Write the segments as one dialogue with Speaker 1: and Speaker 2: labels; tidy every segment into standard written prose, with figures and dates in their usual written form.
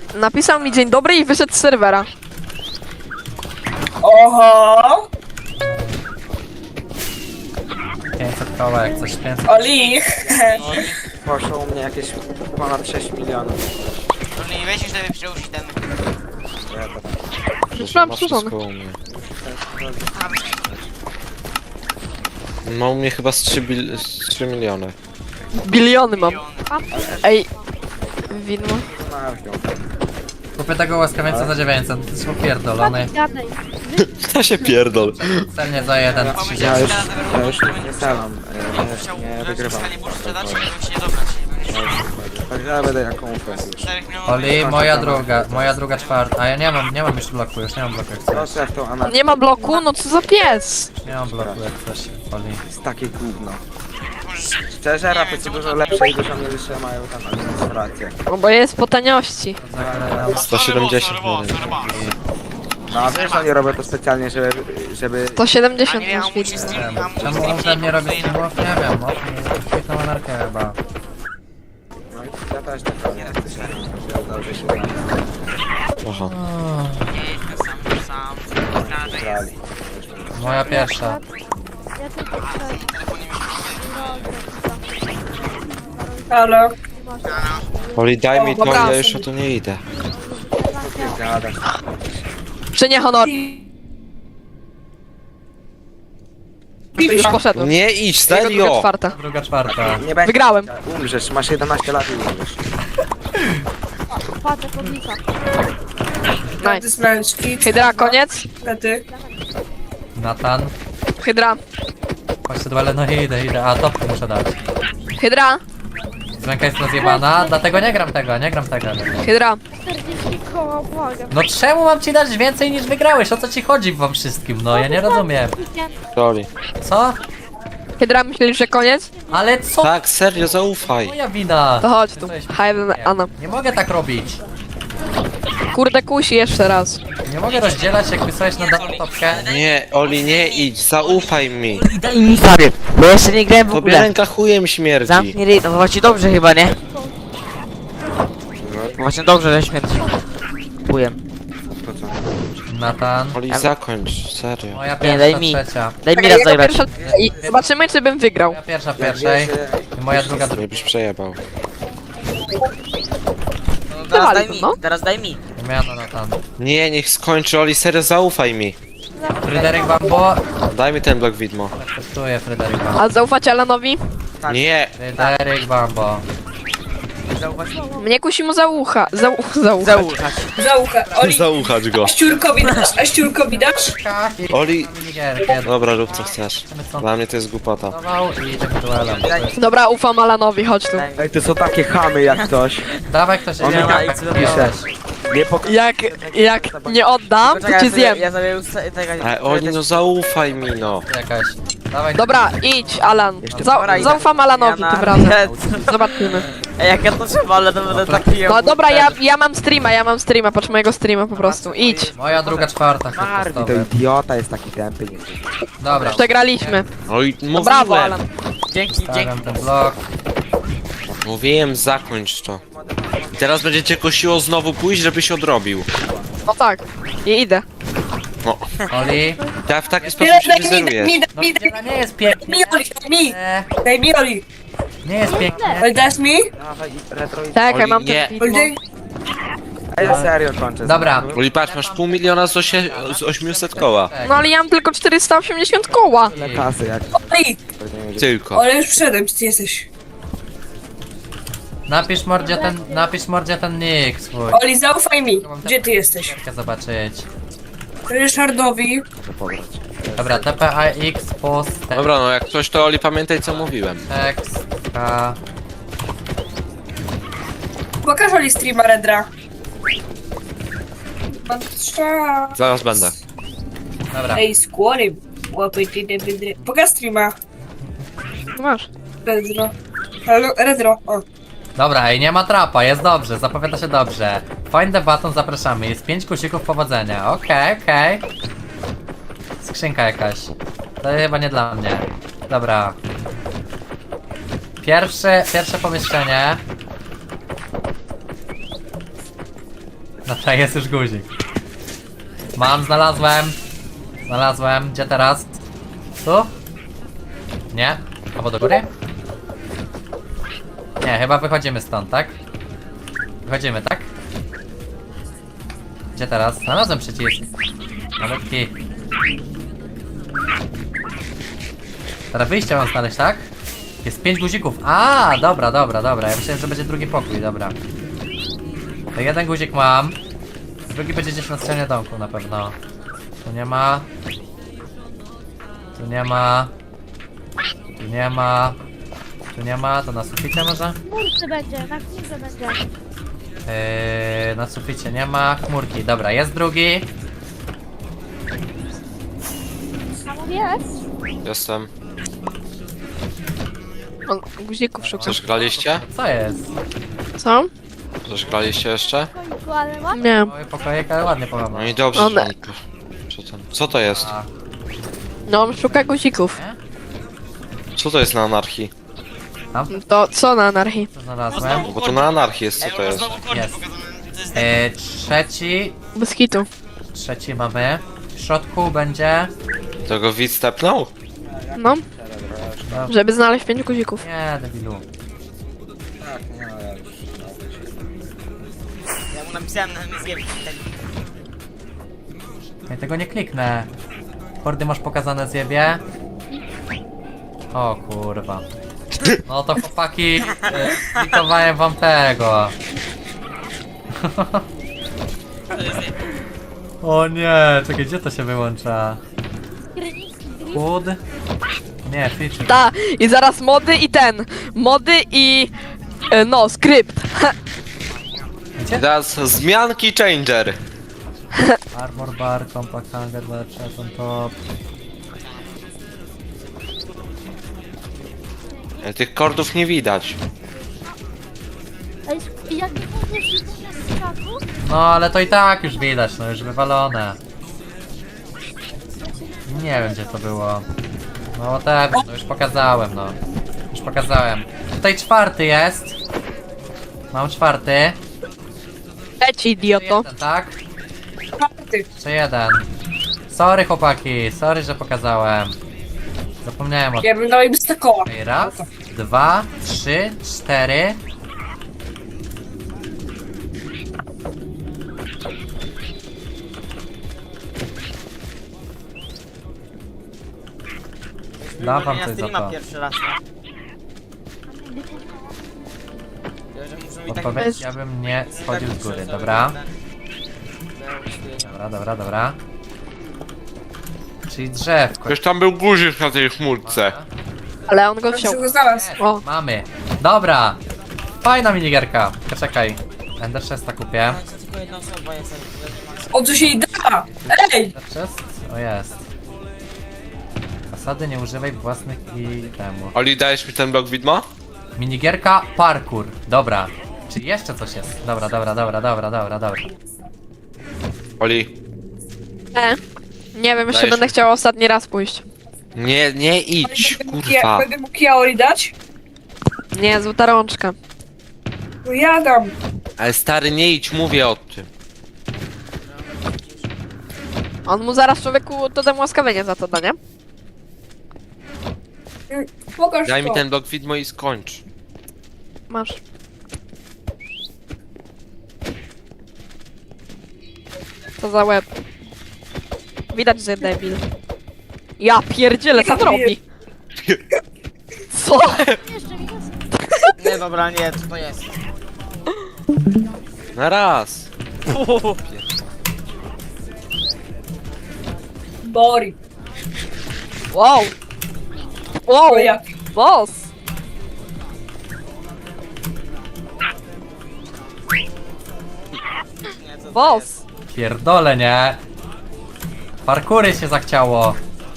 Speaker 1: napisał mi dzień dobry i wyszedł z serwera.
Speaker 2: Oho!
Speaker 3: 500 koła, jak coś 500.
Speaker 2: Oli!
Speaker 4: Poszło u mnie jakieś ponad 6 milionów.
Speaker 5: No nie weź już sobie przełóż ten.
Speaker 1: Już mam
Speaker 6: Ma
Speaker 1: przyszłony.
Speaker 6: wszystko u mnie. Ma u mnie chyba z 3 miliony.
Speaker 1: Biliony mam. Ej, widmo.
Speaker 3: Kupię tego łaskawieńca za 900, to jest popierdolony.
Speaker 7: Gadaj.
Speaker 6: To się pierdol.
Speaker 3: Celnie za 1,
Speaker 4: Ja
Speaker 3: 30.
Speaker 4: już nie strzelam, nie wygrywam.
Speaker 5: Nie muszę sprzedać, bym się nie dobrać.
Speaker 4: Także ja będę jaką ufę już.
Speaker 5: 4 milionów.
Speaker 3: Oli, moja druga czwarta. A ja nie mam już bloku, już nie mam bloku jak chcesz.
Speaker 4: Proszę jak tą anarchię.
Speaker 1: Nie ma bloku? No co za pies?
Speaker 3: Nie mam bloku jak chcesz, Oli.
Speaker 4: Jest takie gówno. Szczerze, rapy są dużo lepsze i dużo mniejsze mają tam administrację.
Speaker 1: No bo jest po taniości.
Speaker 6: 170 milionów.
Speaker 4: No a wiesz, oni robią to specjalnie, żeby...
Speaker 1: To 70
Speaker 5: A nie,
Speaker 1: masz
Speaker 5: on musi
Speaker 1: widmo.
Speaker 5: stream, a musi
Speaker 3: Czemu
Speaker 5: stream
Speaker 3: on ze mnie robi
Speaker 5: stream.
Speaker 3: streamów? Nie wiem, świetną anarchię chyba.
Speaker 4: No i ja też tak robię. Dobrze się
Speaker 6: Aha.
Speaker 5: Sam.
Speaker 4: grali.
Speaker 3: Moja pierwsza.
Speaker 7: Ja tylko chcę.
Speaker 2: Halo?
Speaker 6: Oli, daj mi to,
Speaker 1: Dobra.
Speaker 6: ja już o to nie idę.
Speaker 4: Gadasz.
Speaker 1: Czy nie honor? Już poszedłem.
Speaker 6: Nie idź,
Speaker 1: Jego druga
Speaker 6: serio!
Speaker 1: czwarta.
Speaker 3: Druga czwarta.
Speaker 4: Nie będzie.
Speaker 1: Wygrałem.
Speaker 4: Umrzesz, masz 11 lat i umrzesz.
Speaker 7: Patrzę podlicza.
Speaker 2: Karty z męczki.
Speaker 1: Hydra, koniec?
Speaker 2: Karty.
Speaker 3: Natan.
Speaker 1: Hydra.
Speaker 3: Chodźcie dwa, ale no idę. A topkę muszę dać.
Speaker 1: Hydra.
Speaker 3: Ręka jest rozjebana, dlatego nie gram tego.
Speaker 1: Hydra.
Speaker 7: 40 koła, błagam.
Speaker 3: No czemu mam ci dać więcej niż wygrałeś? O co ci chodzi wam wszystkim? No ja nie rozumiem.
Speaker 6: Oli.
Speaker 3: Co?
Speaker 1: Hydra, myślisz, że koniec?
Speaker 3: Ale co?
Speaker 6: Tak, serio, zaufaj.
Speaker 3: Moja wina.
Speaker 1: To chodź tu.
Speaker 3: Jesteś-
Speaker 1: Hayden, Anna.
Speaker 3: Nie mogę tak robić.
Speaker 1: Kurde, kusi jeszcze raz.
Speaker 3: Nie mogę rozdzielać, jak wysłałeś na daną topkę.
Speaker 6: Nie, Oli, nie idź, zaufaj mi.
Speaker 8: Daj mi sobie, bo jeszcze nie grałem w
Speaker 6: Tobie
Speaker 8: ogóle.
Speaker 6: ręka chujem śmierdzi.
Speaker 8: Zamknij ryj, no właśnie dobrze chyba, nie? Właśnie dobrze, że śmierci. Kupuję.
Speaker 4: To co?
Speaker 3: Natan.
Speaker 6: Oli, zakończ, serio.
Speaker 3: Moja
Speaker 8: Nie, daj
Speaker 3: pierwsza,
Speaker 8: mi.
Speaker 3: trzecia.
Speaker 8: Daj mi
Speaker 1: Czekaj,
Speaker 8: raz
Speaker 1: jego
Speaker 8: zagrać.
Speaker 1: pierwsza... I zobaczymy, czy bym wygrał.
Speaker 3: Moja pierwsza
Speaker 4: Jak
Speaker 3: pierwszej.
Speaker 4: wiesz,
Speaker 3: I moja druga
Speaker 6: Nie
Speaker 3: druga.
Speaker 6: byś przejebał.
Speaker 8: Teraz daj
Speaker 1: to,
Speaker 8: mi,
Speaker 1: no.
Speaker 8: teraz daj mi.
Speaker 3: Miano Natan.
Speaker 6: Nie, niech skończy, Oli, serio, zaufaj mi.
Speaker 3: Fryderyk Bambo.
Speaker 6: Daj mi ten blok widmo.
Speaker 3: Testuję Fryderyk Bambo.
Speaker 1: A zaufacie Alanowi?
Speaker 6: Nie,
Speaker 3: Fryderyk Bambo.
Speaker 1: Mnie kusi mu za ucha. Za ucha.
Speaker 8: Zaułchać.
Speaker 2: Za ucha. Oli,
Speaker 6: zauchać go.
Speaker 2: a ściurkowi dasz?
Speaker 6: Oli,
Speaker 3: Minigierkę.
Speaker 6: dobra, rób co chcesz.
Speaker 3: Co?
Speaker 6: Dla mnie to jest głupota.
Speaker 3: Dawał i idziemy duelem.
Speaker 1: Dobra, ufam Alanowi, chodź tu.
Speaker 8: Daj mi.
Speaker 4: Ej, to są takie chamy jak ktoś.
Speaker 3: Dawaj ktoś
Speaker 4: On
Speaker 3: nie
Speaker 4: mi
Speaker 3: ma
Speaker 4: tak pisze. Nie pok...
Speaker 1: Jak nie oddam, to
Speaker 8: Poczekaj,
Speaker 1: cię zjem.
Speaker 8: ja sobie tego...
Speaker 6: Ej, Oli, no zaufaj mi, no.
Speaker 3: jakaś. Dawaj.
Speaker 1: Dobra, idź, Alan.
Speaker 8: Dobra, idę.
Speaker 1: Zaufam Alanowi
Speaker 8: Ja
Speaker 1: tym
Speaker 8: na-
Speaker 1: razem.
Speaker 8: Nie,
Speaker 1: Zobaczymy.
Speaker 8: Ej, jak ja to trzeba, ale to będę taki...
Speaker 1: No dobra, ja mam streama, patrz mojego streama po prostu. Idź.
Speaker 3: Moja druga czwarta.
Speaker 4: Marwi, to
Speaker 3: testowy.
Speaker 4: idiota jest taki tępy. Nie.
Speaker 3: Dobra.
Speaker 1: Przegraliśmy.
Speaker 6: Oj,
Speaker 1: Brawo, Alan.
Speaker 8: Dzięki.
Speaker 3: Stawiam ten blok.
Speaker 6: Mówiłem, zakończ to. Teraz będziecie kosiło znowu pójść, żeby się odrobił.
Speaker 1: No tak. I idę.
Speaker 3: Oli.
Speaker 6: Ja w taki sposób się nie zerujesz.
Speaker 3: No wdziela nie jest pięknie.
Speaker 2: Mi, Oli, mi!
Speaker 3: Nie,
Speaker 2: Daj mi, Oli!
Speaker 3: nie jest pięknie.
Speaker 2: Oli, dasz mi?
Speaker 4: Dawaj, retro i...
Speaker 1: Czekaj,
Speaker 6: Oli,
Speaker 1: mam
Speaker 6: nie.
Speaker 1: ten
Speaker 2: Oli,
Speaker 1: widmo.
Speaker 2: daj.
Speaker 4: A ja serio kończę.
Speaker 3: Dobra.
Speaker 6: Oli, patrz, masz pół miliona z 800 koła.
Speaker 1: No ale ja mam tylko 480 koła.
Speaker 4: Tyle kasy jak...
Speaker 2: Oli!
Speaker 6: Tylko.
Speaker 2: Oli, już przyszedłem, gdzie ty jesteś?
Speaker 3: Napisz mordzie ten nick swój.
Speaker 2: Oli, zaufaj mi. Gdzie ty jesteś?
Speaker 3: Chcę zobaczyć.
Speaker 2: Ryszardowi.
Speaker 3: Dobra, TPAX post
Speaker 6: Dobra, no jak coś to Oli, pamiętaj co mówiłem.
Speaker 3: tekst K.
Speaker 2: Pokaż Oli streama Redra. Patrzę.
Speaker 6: Zaraz będę.
Speaker 3: Dobra.
Speaker 2: Ej, skłory. Łapy, ty, ty. Pokaż streama.
Speaker 1: Masz.
Speaker 2: Redro. Halo, Redro. O.
Speaker 3: Dobra, ej, nie ma trapa, jest dobrze, zapowiada się dobrze. Find the button, zapraszamy, jest 5 guzików powodzenia, okej. Skrzynka jakaś. To chyba nie dla mnie. Dobra. Pierwsze pomieszczenie. Dobra, jest już guzik. Mam, znalazłem. Znalazłem. Gdzie teraz? Tu? Nie? Albo do góry? Nie, chyba wychodzimy stąd, tak? Wychodzimy, tak? Gdzie teraz? Znalazłem przycisk. Malutki. Teraz wyjście mam znaleźć, tak? Jest 5 guzików. A, dobra, dobra, dobra. Ja myślałem, że będzie drugi pokój, dobra. To jeden guzik mam. Drugi będzie gdzieś na stronie domku na pewno. Tu nie ma. Tu nie ma. Tu nie ma. Tu nie ma. To na suficie może?
Speaker 7: Chmurce będzie, na chmurce będzie.
Speaker 3: Na suficie nie ma. Chmurki. Dobra, jest drugi.
Speaker 7: Tam jest.
Speaker 6: Jestem.
Speaker 1: On guzików szuka.
Speaker 6: Coś graliście?
Speaker 3: Co jest?
Speaker 1: Co?
Speaker 6: Coś graliście jeszcze?
Speaker 7: Końcu, ale ma.
Speaker 1: Nie.
Speaker 3: Mały pokojek, ale ładnie
Speaker 6: No
Speaker 3: połamał.
Speaker 6: i dobrze,
Speaker 1: One.
Speaker 6: że Co to jest?
Speaker 3: A,
Speaker 1: No, on szuka guzików.
Speaker 6: Co to jest na anarchii?
Speaker 1: To co na anarchii?
Speaker 3: co znalazłem?
Speaker 6: Bo to na anarchii jest, co
Speaker 5: Ej,
Speaker 6: to
Speaker 5: u nas
Speaker 6: jest?
Speaker 5: znowu kordy
Speaker 3: Jest.
Speaker 5: pokazane. To jest
Speaker 3: Trzeci.
Speaker 1: Bez kitu.
Speaker 3: Trzeci mamy. W środku będzie...
Speaker 6: Tego widz stepnął?
Speaker 1: No, żeby znaleźć 5 guzików.
Speaker 3: Nie, debilu.
Speaker 4: Tak, nie no, ja już...
Speaker 5: Ja mu napisałem na MSG.
Speaker 3: Ja tego nie kliknę. Kordy masz pokazane zjebie. O kurwa. No to chłopaki, klikowałem wam tego. O nie, czekaj, gdzie to się wyłącza? Hood? Nie, feature.
Speaker 1: Ta, i zaraz mody i ten. Mody i... no, skrypt.
Speaker 6: I teraz zmianki changer.
Speaker 3: Armor bar, compact hanger, lepsze, on top.
Speaker 6: Tych kordów nie widać.
Speaker 7: Ej, jak nie mówisz, że to jest skaku,
Speaker 3: No ale to i tak już widać, no już wywalone. Nie wiem gdzie to było. No tak, no już pokazałem, no. Już pokazałem. Tutaj czwarty jest. Mam czwarty.
Speaker 1: Leci, idioto.
Speaker 3: Jeden, tak?
Speaker 2: Czwarty.
Speaker 3: Czy jeden? Sorry chłopaki, sorry, że pokazałem. Zapomniałem o
Speaker 2: Ja bym dał im stakoła.
Speaker 3: tym. Raz, dwa, trzy, cztery. Dam wam
Speaker 8: Na
Speaker 3: coś za
Speaker 8: streama
Speaker 3: to.
Speaker 8: pierwszy raz. Ja, że muszą mi tak...
Speaker 3: Odpowiedź, ja bym nie schodził z góry, dobra? Dobra, dobra, dobra. Czyli drzewko.
Speaker 6: Przecież tam był guzik na tej chmurce.
Speaker 1: Ale on go
Speaker 2: Ja
Speaker 1: wziął.
Speaker 2: się go znalazł.
Speaker 1: O,
Speaker 3: Mamy. Dobra. Fajna minigierka. Poczekaj. Ender Chesta kupię.
Speaker 8: Tylko jedna osoba jest,
Speaker 2: O, co się jej da? Ej!
Speaker 3: Ender Chest? O jest. Zasady nie używaj własnych i temu.
Speaker 6: Oli, dajesz mi ten blok widma?
Speaker 3: Minigierka parkour. Dobra. Czy jeszcze coś jest? Dobra, dobra, dobra, dobra, dobra, dobra.
Speaker 6: Oli.
Speaker 1: nie wiem, jeszcze
Speaker 6: Dajesz
Speaker 1: będę
Speaker 6: mi.
Speaker 1: chciała ostatni raz pójść.
Speaker 6: Nie idź, kurwa.
Speaker 2: Będę mógł Kiaori dać?
Speaker 1: Nie, złota rączka.
Speaker 2: No ja dam.
Speaker 6: Ale stary, nie idź, mówię o tym.
Speaker 1: On mu zaraz człowieku to dam łaskawienie za to da, nie?
Speaker 2: Pokaż
Speaker 6: Daj mi
Speaker 2: to.
Speaker 6: ten blok widmo i skończ.
Speaker 1: Masz. Co za łeb. Widać, że debil. Ja pierdzielę, co on robi? Co?
Speaker 7: jeszcze mi jest.
Speaker 8: Nie, dobra, nie, co to jest?
Speaker 6: Na raz.
Speaker 2: Bori.
Speaker 1: Wow! Wow!
Speaker 2: O jak?
Speaker 1: Boss!
Speaker 8: Nie, co to jest?
Speaker 1: Boss!
Speaker 3: Pierdolę, nie? Parkury się zachciało.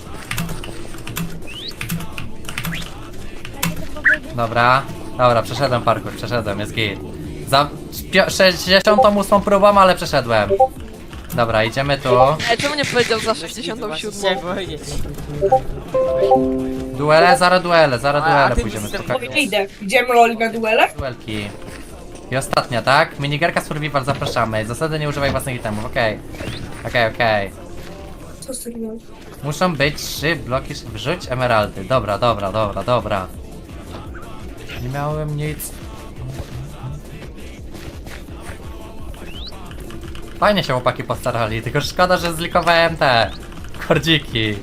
Speaker 3: Dobra. Dobra, przeszedłem parkour, przeszedłem, jest git. Za 68 próbą, ale przeszedłem. Dobra, idziemy tu.
Speaker 1: Ej, czemu nie powiedział za
Speaker 8: Chciałem
Speaker 1: 67?
Speaker 8: powiedzieć.
Speaker 3: Duele, zaraz duele
Speaker 8: A
Speaker 3: pójdziemy
Speaker 8: ty
Speaker 3: spokojnie.
Speaker 2: Nie idę. Idziemy Oli na duele?
Speaker 3: Duelki. I ostatnia, tak? Minigierka survival, zapraszamy. Zasady nie używaj własnych itemów, okej. Okej.
Speaker 2: Co z tego?
Speaker 3: Muszą być 3 bloki, wrzuć emeraldy. Dobra. Nie miałem nic. Fajnie się chłopaki postarali, tylko szkoda, że zlikowałem te kordziki.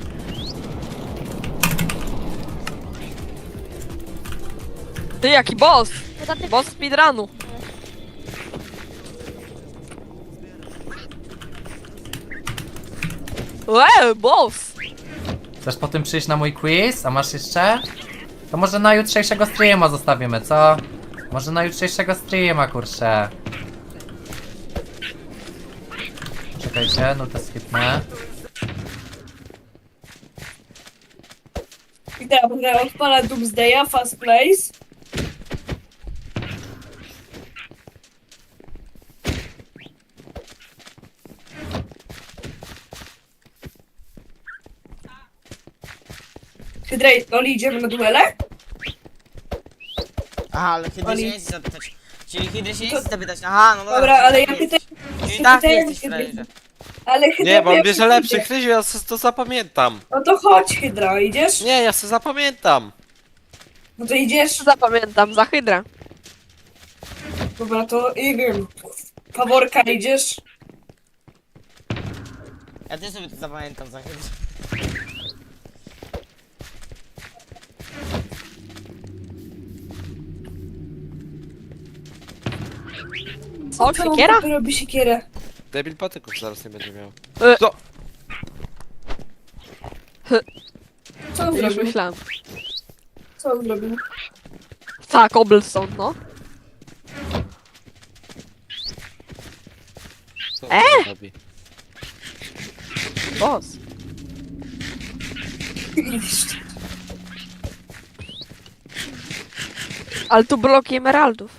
Speaker 1: Ty, jaki boss!
Speaker 7: No tam
Speaker 1: Boss speedrunu. Boss!
Speaker 3: Chcesz po tym przyjść na mój quiz? A masz jeszcze? To może na jutrzejszego streama zostawimy, co? Może na jutrzejszego streama, kurczę. Czekajcie, no to skipnę.
Speaker 2: I dobra, odpala Doomsdaya, Fast Place. Hydrej, Oli, idziemy na duele?
Speaker 8: Aha, ale Hydry się
Speaker 2: Oli.
Speaker 8: nie chce zapytać. Czyli Hydry się nie chce zapytać. Aha, no dobra.
Speaker 2: Dobra, ale ja
Speaker 8: czyli
Speaker 2: pytam,
Speaker 8: Czyli tak
Speaker 2: pytałem
Speaker 8: jesteś
Speaker 2: Hydry.
Speaker 8: frajerze.
Speaker 2: ale Hydra...
Speaker 6: Nie, bo on
Speaker 2: jak
Speaker 6: bierze
Speaker 2: idzie?
Speaker 6: lepszy, Chryziu, ja to zapamiętam.
Speaker 2: No to chodź, Hydra, idziesz?
Speaker 6: Nie, ja sobie zapamiętam.
Speaker 2: No to idziesz?
Speaker 1: Zapamiętam, za hydrę.
Speaker 2: Dobra, to nie wiem. Faworka, idziesz?
Speaker 8: Ja też sobie to zapamiętam za Hydry.
Speaker 1: Co, siekiera?
Speaker 2: Robi siekierę.
Speaker 6: Debil patyków zaraz nie będzie miał.
Speaker 2: Co on
Speaker 1: Już
Speaker 2: zrobił?
Speaker 1: myślałem.
Speaker 2: Co on zrobił?
Speaker 1: Tak, cobblestone, no.
Speaker 6: Co on robi?
Speaker 1: Boss. Ale tu bloki emeraldów.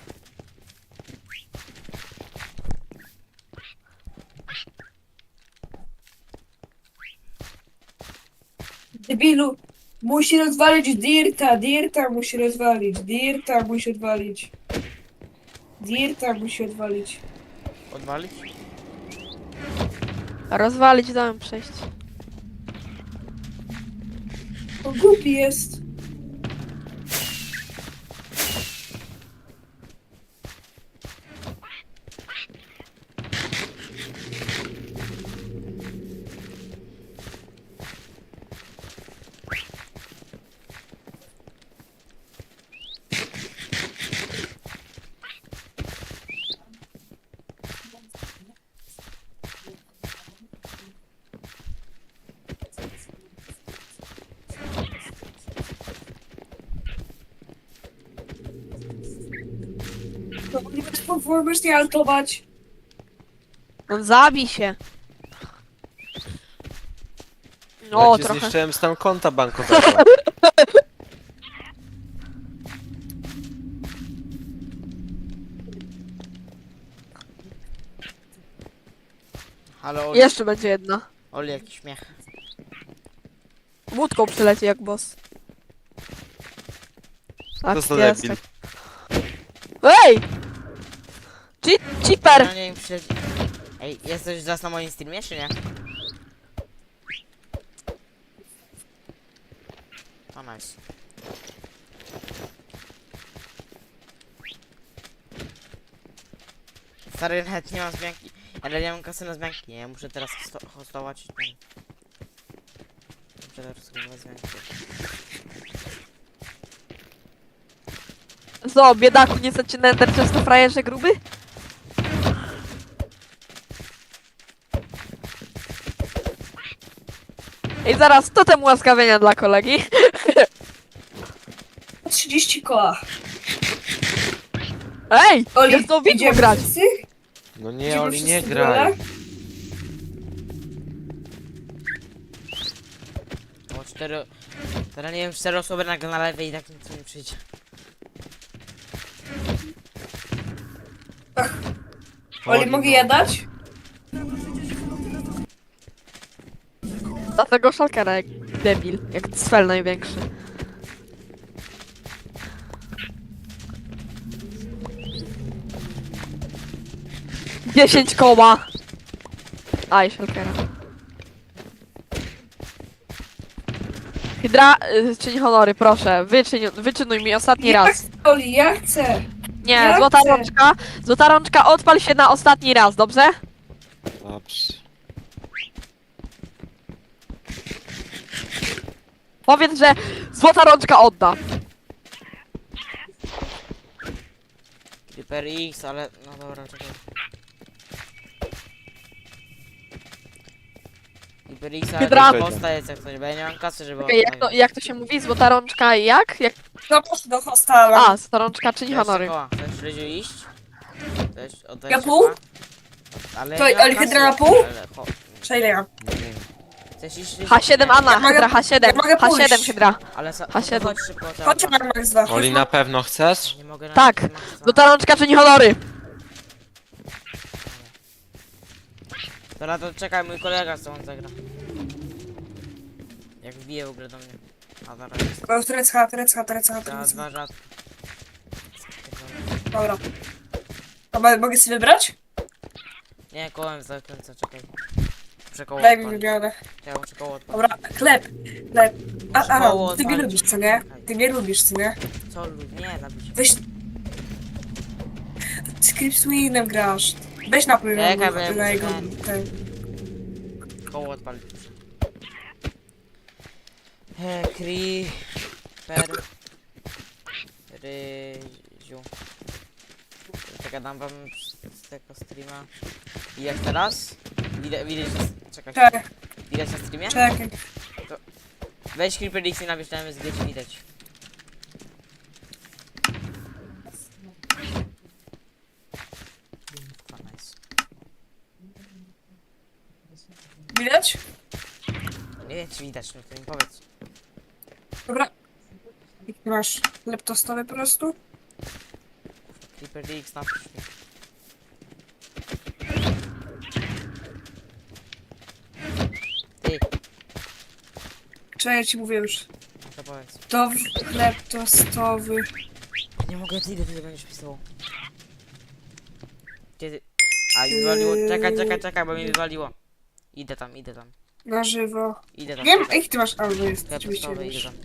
Speaker 2: Debilu, musi rozwalić Dirta musi rozwalić, Dirta musi odwalić. Dirta musi odwalić.
Speaker 8: Odwalić?
Speaker 1: Rozwalić, dałem przejść.
Speaker 2: On głupi jest. No, nie możesz nie altować.
Speaker 1: No zabij się.
Speaker 6: Ja
Speaker 1: No,
Speaker 6: ci
Speaker 1: trochę.
Speaker 6: zniszczyłem stan konta bankowego.
Speaker 8: Halo, Oli,
Speaker 1: Jeszcze będzie jedna.
Speaker 8: Oli jaki śmiech.
Speaker 1: Łódką przyleci jak boss. Tak,
Speaker 6: To za
Speaker 1: jest,
Speaker 6: debil.
Speaker 1: tak. Ej! Cheaper!
Speaker 8: Ja nie wiem, czy... Ej, jesteś zaraz na moim streamie, czy nie? O, nice. Stary, nawet nie mam zmianki. Ale nie mam kasy na zmianki, nie? Ja muszę teraz hostować i ten... Muszę teraz kupować zmianki.
Speaker 1: Co, biedaku, nie chcecie na Ender często frajerze gruby? I zaraz totem ułaskawienia dla kolegi.
Speaker 2: 30 koła.
Speaker 1: Ej!
Speaker 2: Oli,
Speaker 1: Jest to widmo
Speaker 2: idziemy
Speaker 1: grać!
Speaker 2: wszyscy?
Speaker 6: No nie,
Speaker 2: Idziemy
Speaker 6: Oli, nie
Speaker 2: wszyscy w
Speaker 6: graj.
Speaker 2: duele?
Speaker 8: Bo 4... Teraz nie wiem, 4 osoby nagle na lewej i tak nic nie przyjdzie.
Speaker 2: Oli, mogę ja dać?
Speaker 1: Dlatego szalkera jak debil, jak cfel największy. 10 koła. Aj, Shulkera. Hydra, czyń honory, proszę. Wyczynuj mi ostatni raz.
Speaker 2: Oli, ja chcę.
Speaker 1: Nie,
Speaker 2: Ja
Speaker 1: złota
Speaker 2: chcę.
Speaker 1: rączka. Złota rączka, odpal się na ostatni raz, dobrze?
Speaker 6: Dobrze.
Speaker 1: Powiedz, że złota rączka odda.
Speaker 8: Creeper X, ale... No dobra, czekaj. Creeper X, ale
Speaker 1: Hydra.
Speaker 8: to posta jest jak coś, bo ja nie mam kasy, żeby...
Speaker 1: Okej, jak to się mówi? Złota rączka jak?
Speaker 2: No proszę do hostala.
Speaker 1: A, złota rączka, czyń honory.
Speaker 8: Chcesz Ryziu iść? Chcesz oddać
Speaker 2: Ja
Speaker 8: się
Speaker 2: pół?
Speaker 8: koła? Ale
Speaker 2: To-
Speaker 8: ja nie mam
Speaker 2: ale
Speaker 8: kasy.
Speaker 2: Hydra na pół?
Speaker 8: Ale
Speaker 2: Przejdę ja.
Speaker 8: Chcesz iść Ryziu?
Speaker 1: H7 Anna,
Speaker 2: Ja mogę-
Speaker 1: Hydra, H7.
Speaker 2: ja mogę
Speaker 1: H7
Speaker 2: pójść.
Speaker 1: Hydra.
Speaker 8: Ale
Speaker 1: H7.
Speaker 8: chodź szybko, to
Speaker 2: Chodźcie na Max 2.
Speaker 6: Oli, na pewno chcesz?
Speaker 8: Nie mogę na
Speaker 1: Tak.
Speaker 8: nie ma co.
Speaker 1: Złota rączka, czyń honory.
Speaker 8: Dobra, to czekaj, mój kolega co on zagra. Jak wbije w ogóle do mnie. A zaraz jest.
Speaker 2: O, Turecka.
Speaker 8: Za dwa rzadko.
Speaker 2: Dobra. A mogę sobie wybrać?
Speaker 8: Nie, kołem zakręcę, czekaj. Muszę koło
Speaker 2: Daj mi
Speaker 8: odpalić.
Speaker 2: wybiorę.
Speaker 8: Ja muszę koło odpalić.
Speaker 2: Dobra, chleb.
Speaker 8: Koło
Speaker 2: Ty mnie
Speaker 8: odpalić.
Speaker 2: lubisz, co nie? Ty mnie lubisz, co nie?
Speaker 8: Co lud? Nie, zabić.
Speaker 2: Weź... Z Cripswinem grasz. Weź napój
Speaker 8: Czekaj,
Speaker 2: na
Speaker 8: bo ja
Speaker 2: na jego...
Speaker 8: muszę
Speaker 2: ten.
Speaker 8: Koło odpalić muszę. Creeper. Ryziu. Czekaj, dam wam z tego streama. Widać teraz? Widać na... Czekaj.
Speaker 2: Czekaj,
Speaker 8: Widać na streamie?
Speaker 2: czekaj.
Speaker 8: Weź Creeper X i napisz na MSG, czy widać. Nice.
Speaker 2: Widać?
Speaker 8: Nie wiem, czy widać, no to mi powiedz.
Speaker 2: Dobra. I ty masz chleb tostowy po prostu?
Speaker 8: Creeper X, napisz mi. Ty,
Speaker 2: Czekaj, ja ci mówię już.
Speaker 8: no to powiedz.
Speaker 2: To chleb tostowy.
Speaker 8: Nie mogę, ile ty będziesz pisało. Kiedy... A, mi wywaliło. Czekaj, bo mi wywaliło. Idę tam.
Speaker 2: Na żywo.
Speaker 8: Idę tam.
Speaker 2: Wiem, jaki ty masz albo jest.
Speaker 8: Chleb
Speaker 2: Oczywiście
Speaker 8: tostowy, idę
Speaker 2: wiesz.
Speaker 8: tam.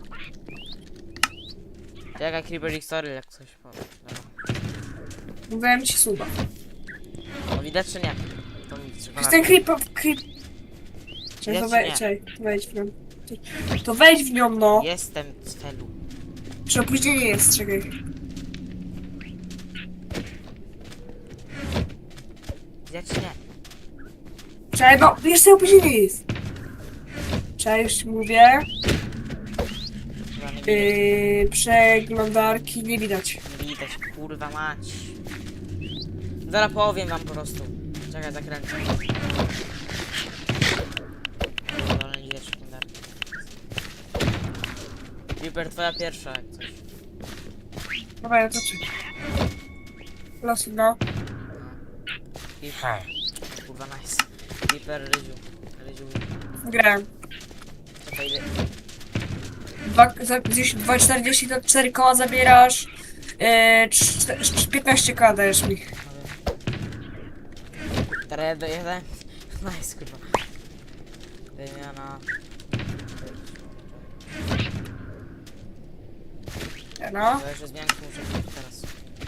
Speaker 8: Czekaj, Creeper X, sorry, jak coś powiem. Dobra.
Speaker 2: Mówiłem ci suba.
Speaker 8: No widać czy nie? To mi
Speaker 2: To
Speaker 8: trzeba
Speaker 2: jest ten creep... Czekaj,
Speaker 8: Widać,
Speaker 2: to
Speaker 8: nie?
Speaker 2: wejdź w nią. To wejdź w nią, no.
Speaker 8: Jestem w celu.
Speaker 2: Czy opóźnienie jest, czekaj.
Speaker 8: Widać czy nie?
Speaker 2: Czekaj, no, jeszcze opóźnienie jest. Czekaj, już ci mówię.
Speaker 8: Chyba nie widać.
Speaker 2: Przeglądarki nie widać.
Speaker 8: Nie widać, kurwa mać. Zaraz powiem wam po prostu. Czekaj, zakręcę. Dobra, nie widać sekundarki. Creeper, twoja pierwsza, jak coś.
Speaker 2: Dobra, ja to czekaj. Losy, no.
Speaker 8: Creeper. Kurwa, nice. Creeper, Ryziu.
Speaker 2: Grałem.
Speaker 8: Czekaj, ile...
Speaker 2: 2,40 to 4 koła zabierasz. 15k dajesz mi.
Speaker 8: Teraz jeden. Nice, kurwa. Wymiana.
Speaker 2: No.
Speaker 8: To jeszcze zmianki muszę zrobić teraz.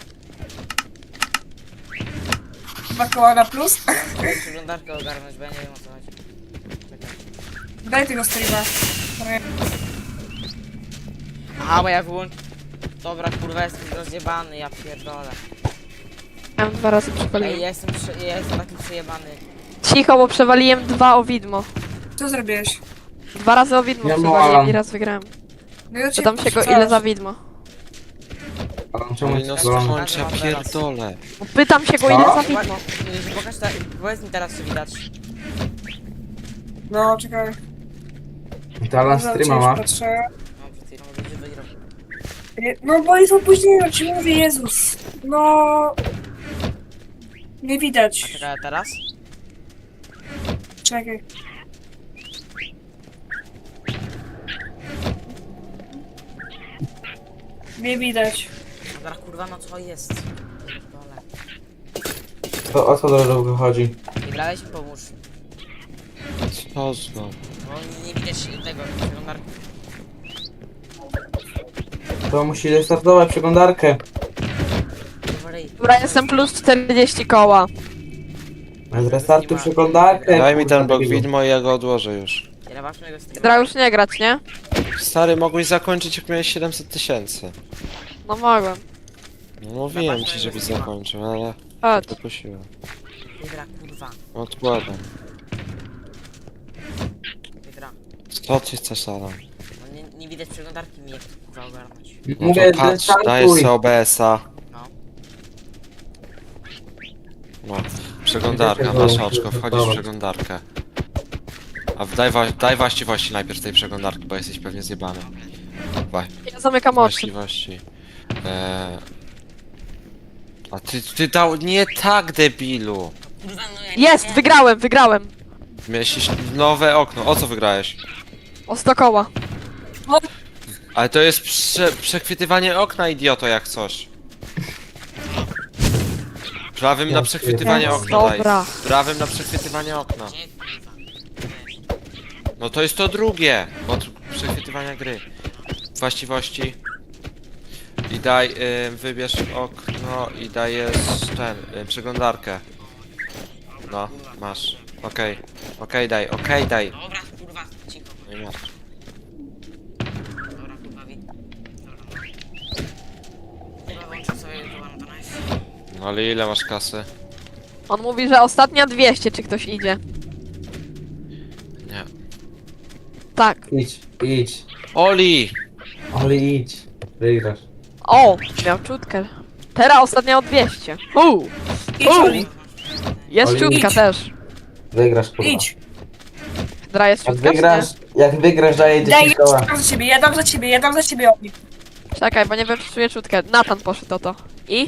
Speaker 2: 2 koła na plus.
Speaker 8: Muszę przeglądarkę ogarnąć, bo ja nie wiem o co chodzi. Czekaj.
Speaker 2: Daj tego streama.
Speaker 8: Aha, bo ja wyłączę. Dobra, kurwa, jestem rozjebany, ja pierdolę.
Speaker 1: Ja mam 2 razy
Speaker 8: Ej,
Speaker 1: przewaliłem.
Speaker 8: ja jestem taki przejebany.
Speaker 1: Cicho, bo przewaliłem 2 o widmo.
Speaker 2: Co zrobiłeś?
Speaker 1: 2 razy o widmo
Speaker 9: Ja
Speaker 1: przewaliłem
Speaker 9: mam.
Speaker 1: i raz wygrałem.
Speaker 2: No ja cię
Speaker 1: Pytam się go,
Speaker 2: wrzucałem.
Speaker 1: ile za widmo.
Speaker 9: Ale czemu
Speaker 6: Oli,
Speaker 9: ci
Speaker 6: no
Speaker 9: to?
Speaker 6: skończ, ja pierdolę.
Speaker 1: Pytam się go,
Speaker 9: Co?
Speaker 1: ile za
Speaker 8: Chyba,
Speaker 1: widmo.
Speaker 8: pokaż powiedz mi teraz, czy widać.
Speaker 2: No, czekaj.
Speaker 9: Talan streama ma.
Speaker 2: Patrzę.
Speaker 8: No, przed chwilą będzie wygrał.
Speaker 2: No bo jest opóźnienie, ci mówię, Jezus. No... Nie
Speaker 8: A
Speaker 2: widać.
Speaker 8: czekaj, a teraz?
Speaker 2: Czekaj. Nie widać.
Speaker 8: No teraz kurwa, no co jest? Pierdolę.
Speaker 9: To o co do lodówki chodzi?
Speaker 8: Wygrałeś? Pomóż.
Speaker 6: Co znowu?
Speaker 8: Bo nie widać tego przeglądarki.
Speaker 9: To musi restartować przeglądarkę.
Speaker 1: Dobra, jestem plus 40 koła.
Speaker 9: Zrestartuj przeglądarkę.
Speaker 6: Daj mi
Speaker 9: kurwa,
Speaker 6: ten blok
Speaker 9: debilu.
Speaker 6: widmo i ja go odłożę już.
Speaker 8: Ja masz mojego streama.
Speaker 1: Hydra już nie grać, nie?
Speaker 6: Stary, mogłeś zakończyć jak miałeś 700 000.
Speaker 1: No mogłem.
Speaker 6: No mówiłem ci, żebyś zakończył, ale
Speaker 1: Chodź.
Speaker 6: dopuściłem.
Speaker 8: Hydra, kurwa.
Speaker 6: Odkładam.
Speaker 8: Hydra.
Speaker 6: Co ty chcesz, Adam?
Speaker 8: No nie widać przeglądarki mi jak to kurwa ogarnąć.
Speaker 6: No
Speaker 9: Mówię,
Speaker 6: to patrz, dajesz
Speaker 9: zrestartuj.
Speaker 6: sobie OBS-a.
Speaker 8: No.
Speaker 6: No, przeglądarka, masz oczko, wchodzisz w przeglądarkę. A daj właściwości najpierw tej przeglądarki, bo jesteś pewnie zjebany.
Speaker 1: Ja zamykam oczy.
Speaker 6: Właściwości. A ty dał... Nie tak, debilu!
Speaker 8: Kurwa, no ja
Speaker 1: Jest, wygrałem.
Speaker 6: Miałeś nowe okno, o co wygrałeś?
Speaker 1: O 100 koła.
Speaker 6: Ale to jest przechwytywanie okna, idioto, jak coś. Prawym na przechwytywanie okna daj.
Speaker 1: Dobra.
Speaker 6: Prawym na przechwytywanie okna. No to jest to drugie od przechwytywania gry. Właściwości. I daj, wybierz okno i dajesz ten, przeglądarkę. No, masz. Okej, daj.
Speaker 8: Dobra, kurwa, cicho.
Speaker 6: No i masz.
Speaker 8: Dobra, kurwa, Kurwa, włączę sobie to na nice.
Speaker 6: No ale ile masz kasy?
Speaker 1: On mówi, że ostatnia 200, czy ktoś idzie.
Speaker 6: Nie.
Speaker 1: Tak.
Speaker 9: Idź.
Speaker 6: Oli!
Speaker 9: Oli, idź. Wygrasz.
Speaker 1: O, miał czutkę. Teraz ostatnia o 200.
Speaker 2: Idź, Oli.
Speaker 1: Jest
Speaker 9: Oli,
Speaker 1: czutka
Speaker 2: idź.
Speaker 1: też.
Speaker 9: Wygrasz, kurwa.
Speaker 2: Idź.
Speaker 1: Hydra jest
Speaker 9: Jak
Speaker 1: czutka, czy
Speaker 9: wygrasz, daję 10
Speaker 2: Daj,
Speaker 9: koła.
Speaker 2: ja dam za ciebie, Oli.
Speaker 1: nie? Czekaj, bo nie wiem, czy czuję czutkę. Nathan poszedł o to. I?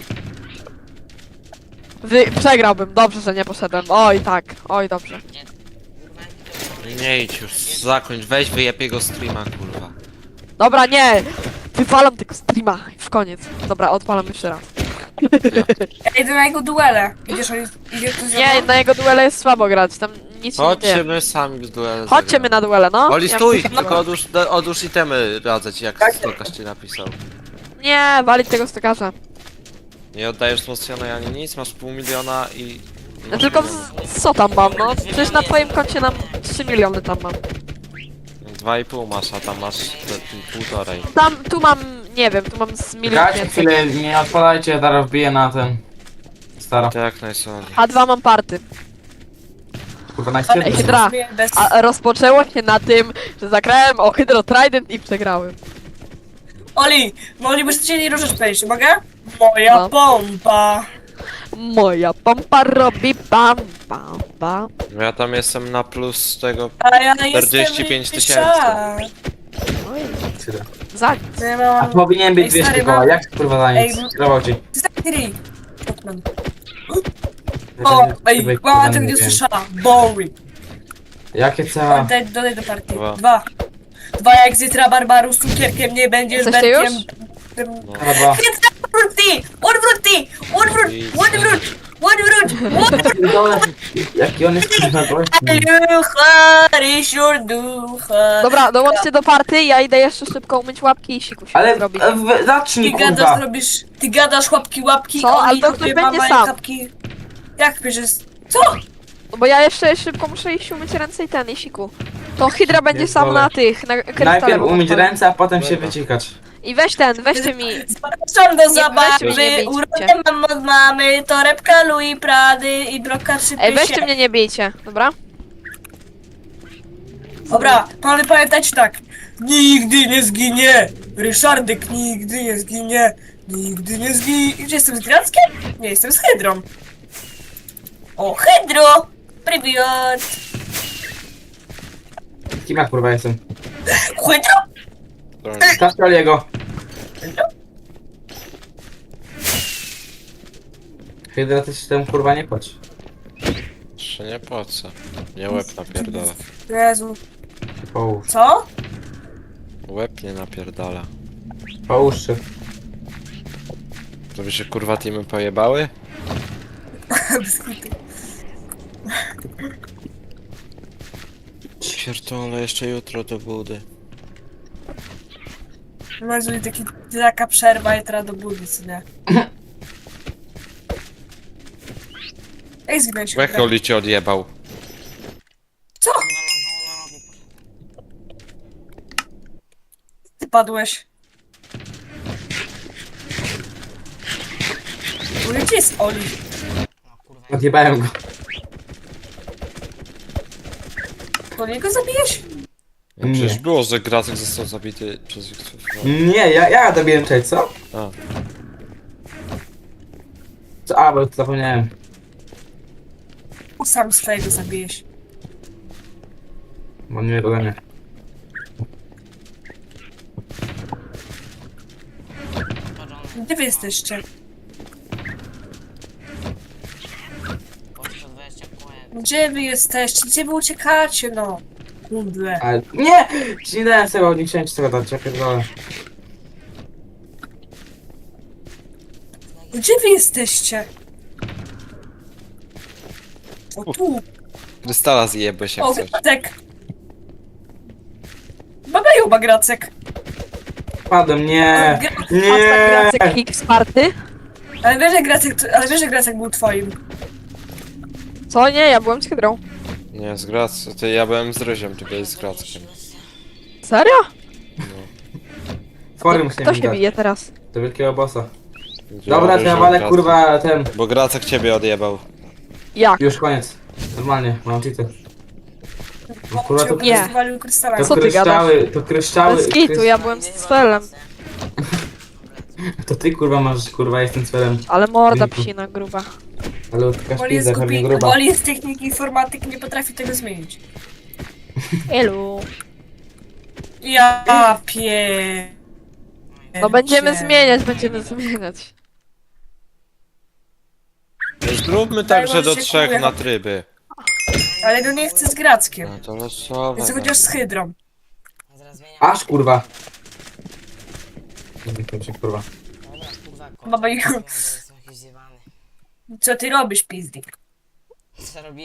Speaker 1: Przegrałbym. Dobrze, że nie poszedłem. Oj, tak. Oj, dobrze.
Speaker 6: Nie idź już, zakończ, weź wyjeb jego streama, kurwa.
Speaker 1: Dobra, nie! Wywalam tego streama. W koniec. Dobra, odpalam jeszcze raz.
Speaker 2: Ja idę na jego duele. Idziesz, Oli? Idzie ktoś ze
Speaker 1: Nie,
Speaker 2: mną?
Speaker 1: na jego duele jest słabo grać. Tam nic się nie
Speaker 6: Chodźcie
Speaker 1: dzieje.
Speaker 6: my sami z duelem.
Speaker 1: Chodźcie my na duele, no.
Speaker 6: Oli,
Speaker 1: Ja-
Speaker 6: stój! Tylko odłóż itemy, radzę ci, jak Stokarz ci napisał.
Speaker 1: Nie, walić tego stokarza.
Speaker 6: Nie oddajesz wzmocnionej ani nic, masz pół miliona i...
Speaker 1: Ja tylko co tam mam, no? Przecież na twoim koncie nam 3 miliony tam mam.
Speaker 6: 2,5 masz, a tam masz półtorej.
Speaker 1: Tam, tu mam, nie wiem, tu mam z milion
Speaker 9: Czekajcie
Speaker 1: więcej.
Speaker 9: chwilę, nie odpalajcie, zaraz wbiję na ten. Stara.
Speaker 6: To jak najsłodniej.
Speaker 1: A2 mam party.
Speaker 9: Kurwa,
Speaker 1: Ej,
Speaker 9: najświetniej.
Speaker 1: Hydra.
Speaker 2: Bez...
Speaker 1: A rozpoczęło się na tym, że zagrałem o Hydro Trident i przegrałem.
Speaker 2: Oli, moglibyś cię nie ruszać powiedzieć, mogę? Moja
Speaker 1: No.
Speaker 2: pompa.
Speaker 1: Moja pompa robi pam, pam, pam.
Speaker 6: No ja tam jestem na plus tego...
Speaker 2: A ja
Speaker 6: 45
Speaker 2: jestem
Speaker 6: 000.
Speaker 1: Oj, za...
Speaker 2: Ja
Speaker 9: A
Speaker 2: mam...
Speaker 9: powinien być
Speaker 2: Ej,
Speaker 9: 200
Speaker 2: stary,
Speaker 9: koła,
Speaker 2: mam-
Speaker 9: jak kurwa za nic?
Speaker 2: Ej,
Speaker 9: Skierował ci.
Speaker 2: Stary. O, ej, mama tego nie słyszała. Boring.
Speaker 9: Jakie cała...
Speaker 2: Dodaj do partii.
Speaker 6: Dwa.
Speaker 2: Dwa jak zitra Barbaru z cukierkiem nie będziesz
Speaker 1: Jesteście
Speaker 2: Berkiem.
Speaker 1: już?
Speaker 9: Chyba.
Speaker 2: Odwrót!
Speaker 9: Jaki on jest kurwa głośny.
Speaker 1: Dobra, dołączcie do party, ja idę jeszcze szybko umyć łapki i siku się
Speaker 9: Ale
Speaker 1: zrobić.
Speaker 9: zacznij kurwa.
Speaker 2: Ty gadasz łapki,
Speaker 1: Co? Ale to
Speaker 2: robię
Speaker 1: ktoś będzie
Speaker 2: mama i
Speaker 1: sam.
Speaker 2: kapki. Jak bierzesz? Co?
Speaker 1: No bo ja jeszcze szybko muszę iść umyć ręce i ten, i siku. To Hydra będzie sam
Speaker 9: Pierdolę.
Speaker 1: na tych, na krystale.
Speaker 9: Najpierw
Speaker 1: bo
Speaker 9: umyć
Speaker 1: odpalę.
Speaker 9: ręce, a potem się wycikać.
Speaker 1: I weź ten, weźcie mi.
Speaker 2: Zapraszam do
Speaker 1: weźcie
Speaker 2: zabawy,
Speaker 1: mnie, nie bijcie.
Speaker 2: urodę mam od mamy, torebka Louis Prady i broka 3
Speaker 1: Ej, weźcie mnie, nie bijcie, dobra?
Speaker 2: Dobra, pamiętajcie tak. Nigdy nie zginie! Ryszardek nigdy nie zginie! Nigdy nie zginie! Czy jestem z Grackiem? Nie, jestem z Hydrą. O, Hydro! Привет!
Speaker 9: Kim ja kurwa jestem?
Speaker 2: Hydro?
Speaker 9: Stawcie Oliego. Hydra, ty się tam kurwa nie płacz.
Speaker 6: Jeszcze nie po co. Nie łeb napierdala.
Speaker 2: Jezu.
Speaker 9: Połóż.
Speaker 2: Co?
Speaker 6: Łeb nie napierdala.
Speaker 9: Połóż się.
Speaker 6: To by się kurwa teamy pojebały?
Speaker 2: Bez kitu.
Speaker 6: Pierdolę, jeszcze jutro do budy.
Speaker 2: Może taka przerwa i teraz do budy, co nie? Ej, zginąć się.
Speaker 6: Jak Oli cię odjebał?
Speaker 2: Co? Ty padłeś. Gdzie jest Oli?
Speaker 9: Odjebałem go.
Speaker 2: To niego zabijesz?
Speaker 9: Nie.
Speaker 6: Przecież było, że Gracek został zabity przez Wiktor.
Speaker 9: Nie, ja dobiłem cześć, co?
Speaker 6: A.
Speaker 9: Co? A, bo zapomniałem.
Speaker 2: Sam swojego zabijesz.
Speaker 9: Bo nie ode mnie.
Speaker 2: Gdzie wy jesteście?
Speaker 8: Poszło 20 kółek.
Speaker 2: Gdzie wy jesteście? Gdzie wy uciekacie, no? Kundle.
Speaker 9: Ale nie! Ci nie dałem sobie, nie chciałem ci tego dać, ja pierdolę.
Speaker 2: Gdzie wy jesteście? O tu!
Speaker 6: Krystala zjebłeś jak
Speaker 2: O,
Speaker 6: coś.
Speaker 2: Gracek! Bagają Gracek!
Speaker 9: Padłem, nie!
Speaker 2: Gra-
Speaker 9: Nie!
Speaker 1: Gracek X party?
Speaker 2: Ale wiesz, że Gracek był twoim.
Speaker 1: Co? Nie, ja byłem z Hydrą.
Speaker 6: Nie, z Gracem. Ty, ja byłem z Ryziem, ty byłeś z Grackiem.
Speaker 1: Serio?
Speaker 9: Fory musimy
Speaker 1: Kto
Speaker 9: mi
Speaker 1: się
Speaker 9: dać.
Speaker 1: bije teraz?
Speaker 9: Do wielkiego bossa.
Speaker 6: Ja,
Speaker 9: Dobra, to
Speaker 6: Ryziu,
Speaker 9: ja walę
Speaker 6: Gracek.
Speaker 9: kurwa ten.
Speaker 6: Bo Gracek ciebie odjebał.
Speaker 1: Jak?
Speaker 9: Już koniec. Normalnie, mam cheaty. No, kurwa, to,
Speaker 1: Nie.
Speaker 2: Walił krystala.
Speaker 9: to
Speaker 1: Co ty
Speaker 9: kryształy, to kryształy.
Speaker 1: Bez kitu, ja byłem z Sfelem.
Speaker 9: To ty kurwa masz, kurwa jestem celem.
Speaker 1: Ale morda
Speaker 9: Dzięki.
Speaker 1: psina gruba.
Speaker 9: Ale taka
Speaker 2: Woli jest
Speaker 9: szpizda, pewnie
Speaker 2: głupi,
Speaker 9: gruba.
Speaker 2: Woli jest techniki informatyki, nie potrafi tego zmienić.
Speaker 1: Elu.
Speaker 2: Ja pie...
Speaker 1: No będziemy zmieniać.
Speaker 6: Zróbmy tak, że do 3 na tryby.
Speaker 2: Ale no nie chcę z Grackiem.
Speaker 6: No to losowe.
Speaker 2: Chcę chociaż z Hydrą.
Speaker 8: Zaraz zmieniam.
Speaker 9: Aż kurwa. Kurwa.
Speaker 8: Dobra, kurwa,
Speaker 2: Baba
Speaker 8: kończę,
Speaker 2: Igu.
Speaker 8: bo jestem jakiś zjebany.
Speaker 2: Co ty robisz, pizdik?
Speaker 8: Co robię?